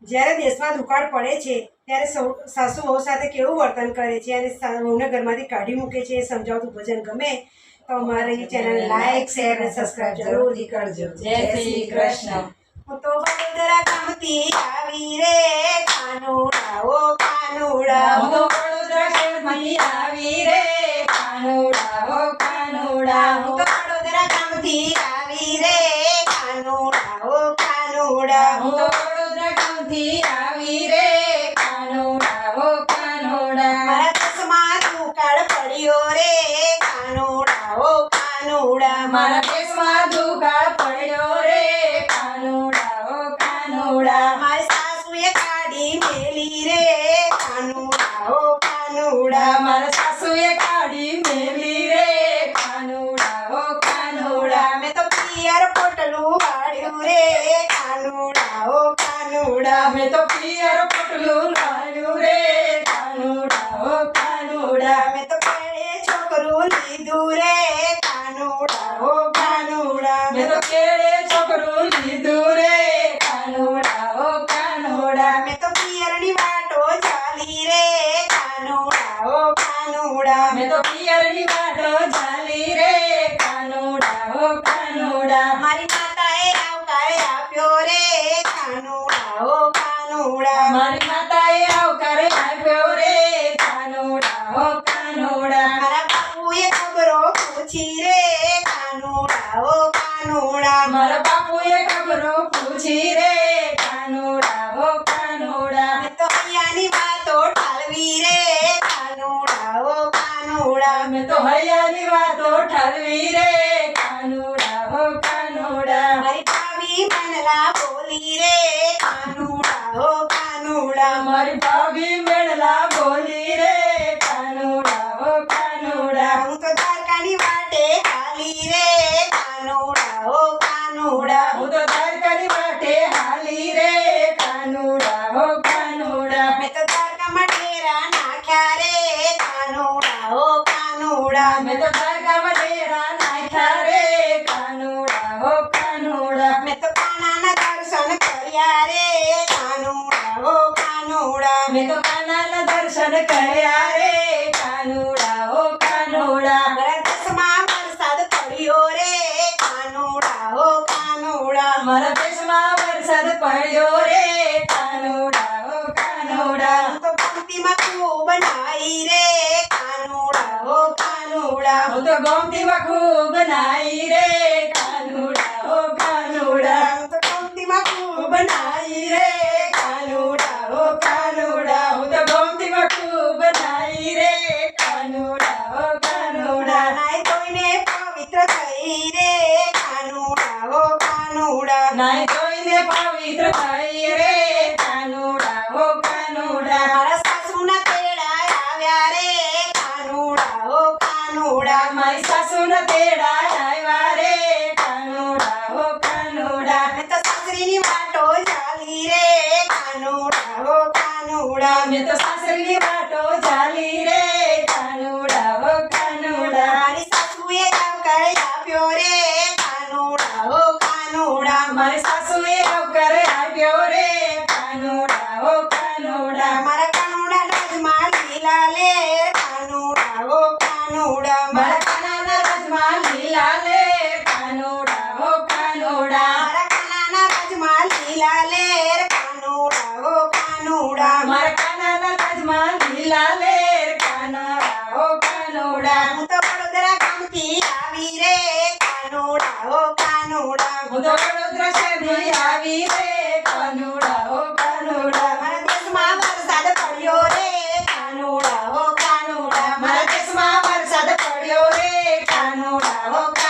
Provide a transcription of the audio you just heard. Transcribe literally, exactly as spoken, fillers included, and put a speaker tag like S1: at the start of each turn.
S1: જ્યારે દેશમાં દુકાળ પડે છે ત્યારે સૌ સાસુ વહુ સાથે કેવું વર્તન કરે છે અને વહુને ઘરમાંથી કાઢી મૂકે છે એ સમજાવતું ભજન ગમે તો અમારી ચેનલ લાઈક શેર અને સબસ્ક્રાઇબ જરૂરથી કરજો.
S2: જય શ્રી કૃષ્ણ.
S1: હું તો વડોદરા ગામથી આવી રે કાનુડા ઓ કાનુડા.
S2: હું તો વડોદરા શહેરમાંથી આવી રે કાનુડા ઓ કાનુડા.
S1: હું તો વડોદરા ગામથી આવી રે કાનુડા ઓ કાનુડા.
S2: હું તો વડોદરા ગામથી આવી રે કાનુડા ઓ કાનુડા.
S1: મારા દેશમાં દુકાળ પડ્યો રે કાનુડા ઓ કાનુડા.
S2: મારા દેશમાં દુકાળ પડ્યો રે કાનુડા ઓ કાનુડા.
S1: મારી સાસુએ કાઢી મેલી રે કાનુડા ઓ કાનુડા.
S2: મારા સાસુએ કાઢી મેલી રે કાનુડા ઓ કાનુડા.
S1: મેં તો પિયર પોટલું વાળ્યું રે કાનુડા ઓ કાનુડા.
S2: મેં તો પિયર પોટલું લાવ્યું રે કાનુડા ઓ કાનુડા.
S1: મેં તો પેડે છોકરું લીધું રે કાનુડા ઓ કાનુડા.
S2: મેં તો કેળે છોકરું લીધું રે કાનુડા ઓ કાનુડા.
S1: મેં તો પિયરની વાટો ચાલી રે કાનુડા ઓ કાનુડા.
S2: મેં તો પિયરની વાટો ચાલી રે કાનુડા ઓ કાનુડા.
S1: મારી માતાએ આવકાર આપ્યો રે કાનુડા ઓ કાનુડા.
S2: મારી માતાએ આવકાર આપ્યો રે કાનુડા ઓ કાનુડા.
S1: મારા બાપુએ ખબરો પૂછી રે કાનુડા ઓ કાનુડા.
S2: મારા બાપુએ ખબરો પૂછી રે કાનુડા ઓ કાનુડા.
S1: મેં તો અહીંયાની વાતો ટાળવી રે કાનુડા ઓ કાનુડા.
S2: મેં તો હૈયાની વાતો ઠાલવી રે કાનુડા ઓ કાનુડા.
S1: મારી ભાભી મનલા બોલી રે કાનુડા ઓ કાનુડા.
S2: મારી ભાભી મેળલા બોલી રે કાનુડા ઓ કાનુડા.
S1: હું તો દ્વારકાની વાટે હાલી રે કાનુડા ઓ કાનુડા.
S2: હું તો દ્વારકાની વાટે હાલી રે કાનુડા ઓ કાનુડા.
S1: મેં તો દ્વારકામાં ડેરા નાખ્યા રે કાનુડા ઓ કાનુડા.
S2: મેં તો દ્વારકામાં ડેરા નાખ્યા રે કાનુડા ઓ કાનુડા.
S1: મેં તો કાનાના દર્શન કર્યા રે કાનુડા ઓ કાનુડા.
S2: મેં તો કાનાના દર્શન કર્યા રે કાનુડા ઓ કાનુડા.
S1: મારા દેશમાં વરસાદ પડ્યો રે કાનુડા ઓ કાનુડા.
S2: મારા દેશમાં વરસાદ પડ્યો રે કાનુડા ઓ કાનુડા.
S1: હું તો પંક્તિમાં ખૂબ નાઈ રે કાનુડા ઓ કાનુડા.
S2: હું તો ગોમતીમાં ખૂબ નાઈ રે કાનુડા ઓ કાનુડા.
S1: હું તો પંક્તિમાં ખૂબ
S2: નાઈ રે કાનુડા ઓ કાનુડા. હું તો ગોમતીમાં ખૂબ નાઈ રે કાનુડા ઓ કાનુડા.
S1: નાઈ ધોઈને પવિત્ર થઈ રે કાનુડા ઓ કાનુડા.
S2: નાઈ ધોઈને પવિત્ર થઈ રે કાનુડા ઓ કાનુડા.
S1: મારા સાસુના તેડા આવ્યા રે કાનુડા ઓ કાનુડા.
S2: મારી સાસુના તેડા આવ્યા રે કાનુડા ઓ કાનુડા.
S1: મેં તો સાસરીની વાટો ચાલી રે કાનુડા ઓ કાનુડા.
S2: મેં તો સાસરીની વાટો ચાલી રે કાનુડા ઓ કાનુડા.
S1: મારી સાસુએ આવકાર આપ્યો રે કાનુડા ઓ કાનુડા.
S2: મારી સાસુએ આવકાર આપ્યો રે કાનુડા ઓ કાનુડા.
S1: મારા કાનુડા રાજમાં લીલા લેર કાનુડા ઓ કાનુડા.
S2: મારા કાનાના રાજમાં લીલા લેર કાનુડા ઓ કાનુડા.
S1: મારા કાનાના રાજમાં લીલા લેર કાનુડા ઓ કાનુડા.
S2: મારા કાનાના રાજમાં લીલા લેર કાનુડા ઓ કાનુડા.
S1: હું તો વડોદરા ગામથી આવી રે કાનુડા ઓ કાનુડા.
S2: હું તો વડોદરા શહેરથી આવી રે કાનુડા ઓ કાનુડા.
S1: મારા દેશમાં વરસાદ પડ્યો રે કાનુડા ઓ કાનુડા.
S2: મારા દેશમાં વરસાદ પડ્યો રે કાનુડા ઓ